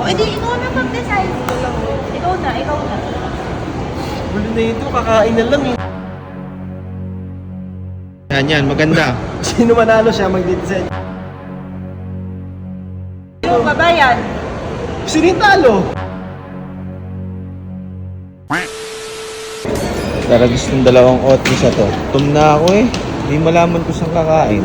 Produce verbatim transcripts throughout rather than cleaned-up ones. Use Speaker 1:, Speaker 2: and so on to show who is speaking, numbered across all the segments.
Speaker 1: O, edi ikaw na mag-decide. Ikaw na, ikaw na.
Speaker 2: Gulo na ito, kakain na lang eh.
Speaker 3: Yan, yan, maganda.
Speaker 2: Sino manalo siya mag-decide?
Speaker 1: Sino babayan?
Speaker 2: Sino yung talo?
Speaker 3: Taragis ng dalawang otis sa to. Tum na ako eh. Hindi malaman ko saan kakain.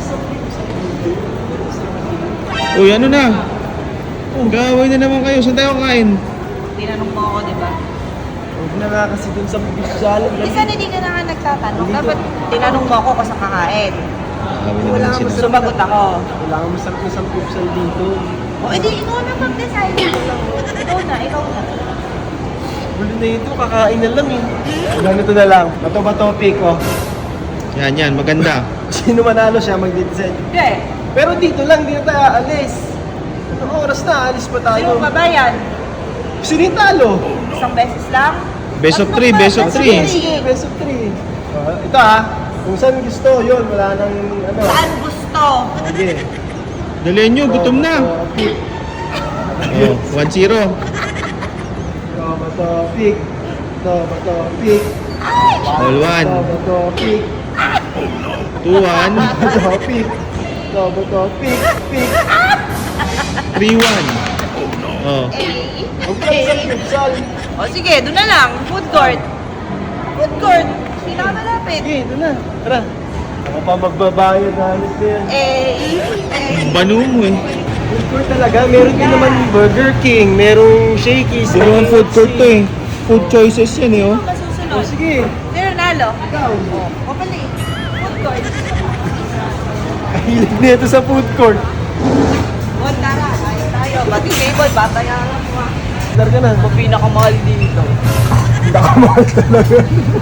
Speaker 3: Uy, ano na? Gawin na naman kayo. Saan tayo kakain?
Speaker 1: Tinanong mo ako, di ba?
Speaker 2: Huwag na nga kasi dun sa official.
Speaker 1: Minsan hindi ka na nga nagtatanong. Dapat tinanong mo ako kung saan kakain.
Speaker 3: Gawin naman
Speaker 2: Wala
Speaker 3: ang sinasabi.
Speaker 1: Sumagot ako.
Speaker 2: Kailangan masarap na sa official dito.
Speaker 1: O, edi ikaw na mag-decide. Ikaw na, ikaw na.
Speaker 2: Gulo na ito, kakain na lang eh. Ganito na lang. Bato ba topic oh.
Speaker 3: Yan, yan, maganda.
Speaker 2: Sino manalo siya mag-decide?
Speaker 1: Hindi.
Speaker 2: Pero dito lang, di na tayo aalis. Anong oras na? Aalis pa tayo.
Speaker 1: Sino babayan?
Speaker 2: Sino yung talo?
Speaker 1: Isang beses lang?
Speaker 3: Best of
Speaker 1: At
Speaker 3: three,
Speaker 1: magpa-
Speaker 3: best of
Speaker 1: best
Speaker 3: three.
Speaker 2: Sige, best of three. Oh, ito ah, kung saan gusto, yun, wala nang ano.
Speaker 1: Saan gusto?
Speaker 2: Sige.
Speaker 3: Dalihan nyo, gutom na.
Speaker 2: Topic.
Speaker 3: Oh, one zero.
Speaker 2: Ito ba topic? Ito ba topic?
Speaker 3: All one.
Speaker 2: Ito ba topic?
Speaker 3: Two one.
Speaker 2: Ito ba topic? Ito ba topic? Pick.
Speaker 3: Three one. Oh.
Speaker 1: Eh,
Speaker 2: Huwag ka sa futsal.
Speaker 1: O sige, doon na lang. Food court. Food court. Pinakamalapit.
Speaker 2: Sige, ito na. Tara. Ako pa magbabayad halos din.
Speaker 1: Eh, eh.
Speaker 3: Banu mo eh.
Speaker 2: Food court talaga. Meron din naman Burger King. Merong Shakey's.
Speaker 3: Puro ang food court to eh. Food choices yan eh oh.
Speaker 1: Ano masusunod?
Speaker 2: Oh, sige.
Speaker 1: Sino nalo?
Speaker 2: Ikaw.
Speaker 1: O pali. Food court.
Speaker 2: Kahilig na ito sa food court.
Speaker 1: O tara, tayo tayo. Bati table, batayaran mo ah.
Speaker 2: Dar ka na.
Speaker 1: Ang pinakamahal dito.
Speaker 2: Nakamahal talaga.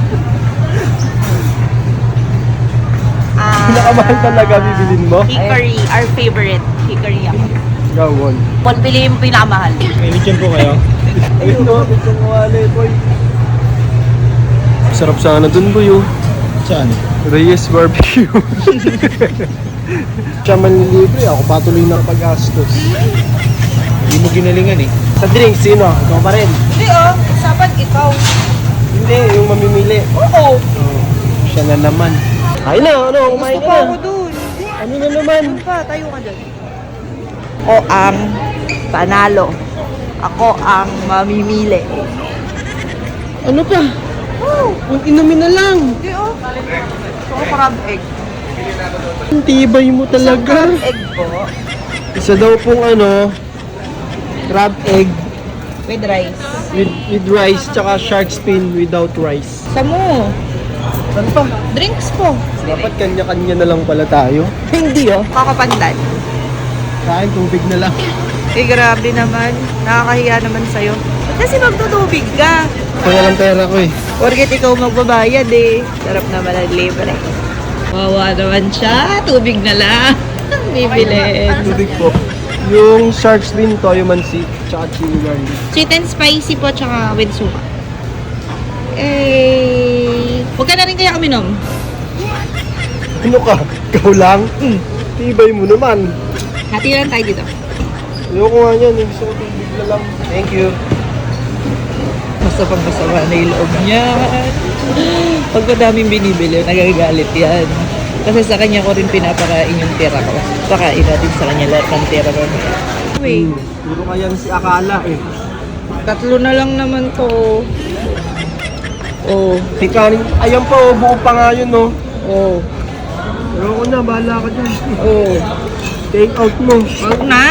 Speaker 1: Ah,
Speaker 2: Nakamahal talaga bibilin mo.
Speaker 1: Hickory, our favorite. Hickory ako.
Speaker 2: Gawon.
Speaker 1: Kung piliin mo pinakamahal.
Speaker 3: May lechon po kayo.
Speaker 2: Ayun no, ito ng wallet, boy. Sarap sana dun, boy, oh.
Speaker 3: Saan?
Speaker 2: Reyes Barbecue. Siya manlilibre, ako patuloy ng pag-gastos.
Speaker 3: Hindi mo ginalingan eh.
Speaker 2: Sa drink, sino? Ikaw pa rin.
Speaker 1: Hindi oh, sapat ikaw.
Speaker 2: Hindi, yung mamimili.
Speaker 1: Oo.
Speaker 2: Oh, siya na naman. Ay na, ano, kumain
Speaker 1: Gusto
Speaker 2: ka
Speaker 1: pa
Speaker 2: na.
Speaker 1: ako dun.
Speaker 2: Ano na naman?
Speaker 1: Doon pa, tayo ka dyan. Ako ang panalo. Ako ang mamimili.
Speaker 2: Ano pa? Oh, kung inumin na lang.
Speaker 1: Hindi oh. Gusto ko crab egg.
Speaker 2: Ang tibay mo
Speaker 1: Isang
Speaker 2: talaga.
Speaker 1: crab egg po.
Speaker 2: Isa daw pong ano, crab egg
Speaker 1: With rice.
Speaker 2: with with rice, tsaka shark fin without rice.
Speaker 1: Samo.
Speaker 2: Saan pa?
Speaker 1: Drinks po.
Speaker 2: Dapat kanya-kanya na lang pala tayo.
Speaker 1: Hindi oh. Kakapandan.
Speaker 2: Kain tubig na lang.
Speaker 1: Eh grabe naman. Nakakahiya naman sa'yo. Kasi magtutubig ka.
Speaker 2: Kaya lang pera ko eh.
Speaker 1: Porket ikaw magbabayad eh. Sarap naman ang libre. Wawa naman siya. Tubig na lang. Bibili.
Speaker 2: Tubig po. Yung shark fin, toyo mansi, tsaka chili garlic.
Speaker 1: Sweet and spicy po, tsaka with suka. Eh, huwag ka na rin kaya uminom.
Speaker 2: Ano ka? Ikaw lang?
Speaker 1: Mm.
Speaker 2: Tibay mo naman.
Speaker 1: Hati lang tayo dito.
Speaker 2: Ayoko nga yan. eh. Gusto ko tubig na lang. Thank you.
Speaker 1: Basta pang masama na yung loob niya. Pag madaming binibili, nagagalit yan. Kasi sa kanya ko rin pinapakain yung tira ko. Pakain natin sa kanya lahat ng tira ko. Wait,
Speaker 2: Hmm. Puro kaya si Akala eh.
Speaker 1: tatlo na lang naman to. Oh,
Speaker 2: Si Karin, ayan pa oh. Buo pa nga yun oh.
Speaker 1: oh,
Speaker 2: Ayoko na. Bahala ka dyan.
Speaker 1: oh.
Speaker 2: Take out mo.
Speaker 1: Huwag na!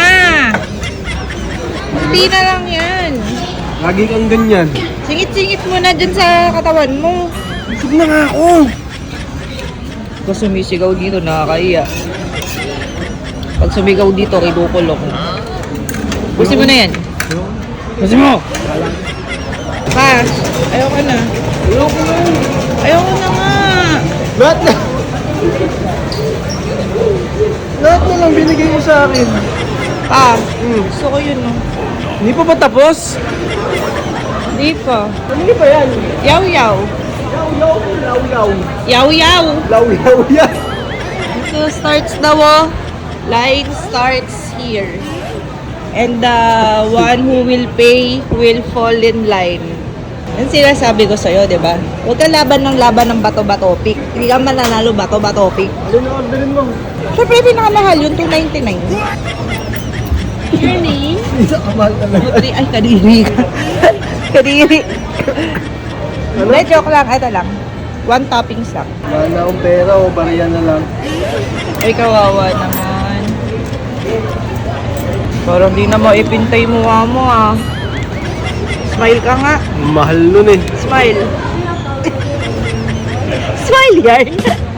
Speaker 1: Hindi na lang yan.
Speaker 2: Lagi kang ganyan.
Speaker 1: Singit-singit mo na dyan sa katawan mo.
Speaker 2: Busog na nga ako.
Speaker 1: Pag sumisigaw dito, nakakaiya. Pag sumigaw dito, kinukulong. Busin mo na yan. Busin mo! Pass. Ayoko na.
Speaker 2: Ayoko na.
Speaker 1: Ayoko na nga.
Speaker 2: Lahat na. Lahat na lang binigay mo sa akin.
Speaker 1: Pa,
Speaker 2: Hmm.
Speaker 1: gusto ko yun, no?
Speaker 2: Hindi pa ba tapos?
Speaker 1: Hindi pa.
Speaker 2: Ano ba yan?
Speaker 1: Yaw-yaw.
Speaker 2: Yaw-yaw. Yaw-yaw.
Speaker 1: Yaw-yaw.
Speaker 2: Law-yaw yan.
Speaker 1: So, starts daw, oh. Line starts here. And the one who will pay will fall in line. Yan sinasabi ko sa'yo, di ba? Huwag ka laban ng laban ng bato-bato pick. Hindi ka mananalo bato-bato pick.
Speaker 2: Alin na orderin mo?
Speaker 1: Siyempre, pinakamahal yun, two ninety-nine.
Speaker 4: Your name?
Speaker 2: Isa kamahal talaga.
Speaker 1: Kadiri, ay, kadiri ka. kadiri.
Speaker 2: Ano?
Speaker 1: Hindi, joke lang. Ito lang. One toppings lang.
Speaker 2: Wala na akong pera o bariya na lang.
Speaker 1: Ay, kawawa naman. Parang di na maipintay mo mo ah. Smile ka nga.
Speaker 2: Mahal nun eh.
Speaker 1: Smile. Smile yan.